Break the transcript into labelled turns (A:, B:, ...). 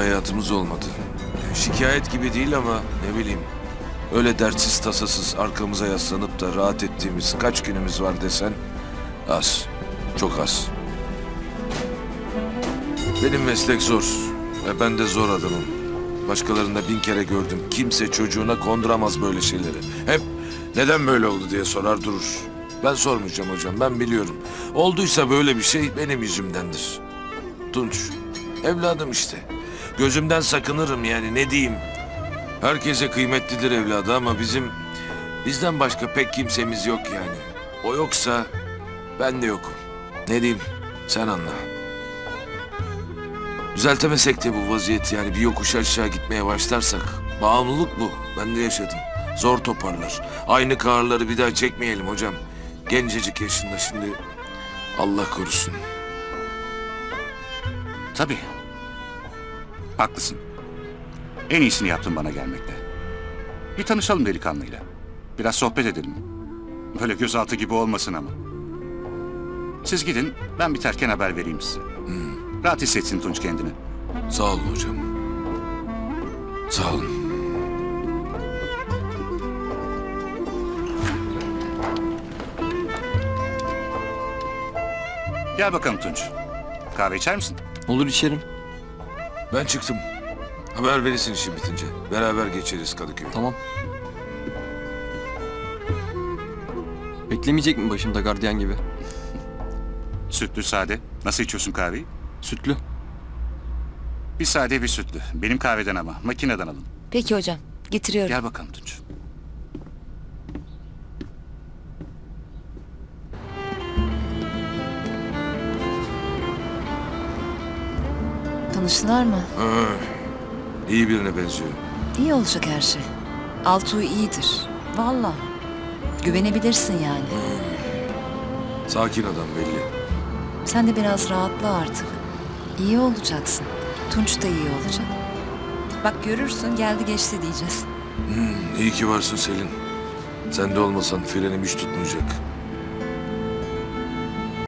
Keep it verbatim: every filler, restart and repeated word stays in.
A: hayatımız olmadı. Şikayet gibi değil ama ne bileyim. Öyle dertsiz tasasız arkamıza yaslanıp da rahat ettiğimiz kaç günümüz var desen az. Çok az. Benim meslek zor ve ben de zor adamım. Başkalarında bin kere gördüm. Kimse çocuğuna konduramaz böyle şeyleri. Hep neden böyle oldu diye sorar durur. Ben sormayacağım hocam, ben biliyorum. Olduysa böyle bir şey benim yüzümdendir. Tunç, evladım işte. Gözümden sakınırım yani, ne diyeyim. Herkese kıymetlidir evladı ama bizim... bizden başka pek kimsemiz yok yani. O yoksa ben de yokum. Ne diyeyim, sen anla. Düzeltemesek de bu vaziyet yani, bir yokuş aşağı gitmeye başlarsak. Bağımlılık bu, ben de yaşadım. Zor toparlar. Aynı kahırları bir daha çekmeyelim hocam. Gencecik yaşında şimdi, Allah korusun.
B: Tabii. Haklısın. En iyisini yaptın bana gelmekte. Bir tanışalım delikanlıyla. Biraz sohbet edelim. Böyle gözaltı gibi olmasın ama. Siz gidin, ben biterken haber vereyim size. Hmm. Rahat hissetsin Tunç kendini.
A: Sağ olun hocam. Sağ olun.
B: Gel bakalım Tunç. Kahve içer misin?
C: Olur, içerim.
A: Ben çıktım. Haber verirsin işin bitince. Beraber geçeriz Kadıköy'e.
C: Tamam. Beklemeyecek mi başımda gardiyan gibi?
B: Sütlü sade. Nasıl içiyorsun kahveyi?
C: Sütlü.
B: Bir sade bir sütlü. Benim kahveden ama. Makineden alın.
D: Peki hocam, getiriyorum.
B: Gel bakalım Tunç.
D: Tanıştılar mı?
A: Ha, iyi birine benziyor.
D: İyi olacak her şey. Altuğ iyidir. Vallahi. Güvenebilirsin yani.
A: Sakin adam belli.
D: Sen de biraz rahatla artık. İyi olacaksın. Tunç da iyi olacak. Bak görürsün, geldi geçti diyeceğiz.
A: İyi ki varsın Selin. Sen de olmasan frenim hiç tutmayacak.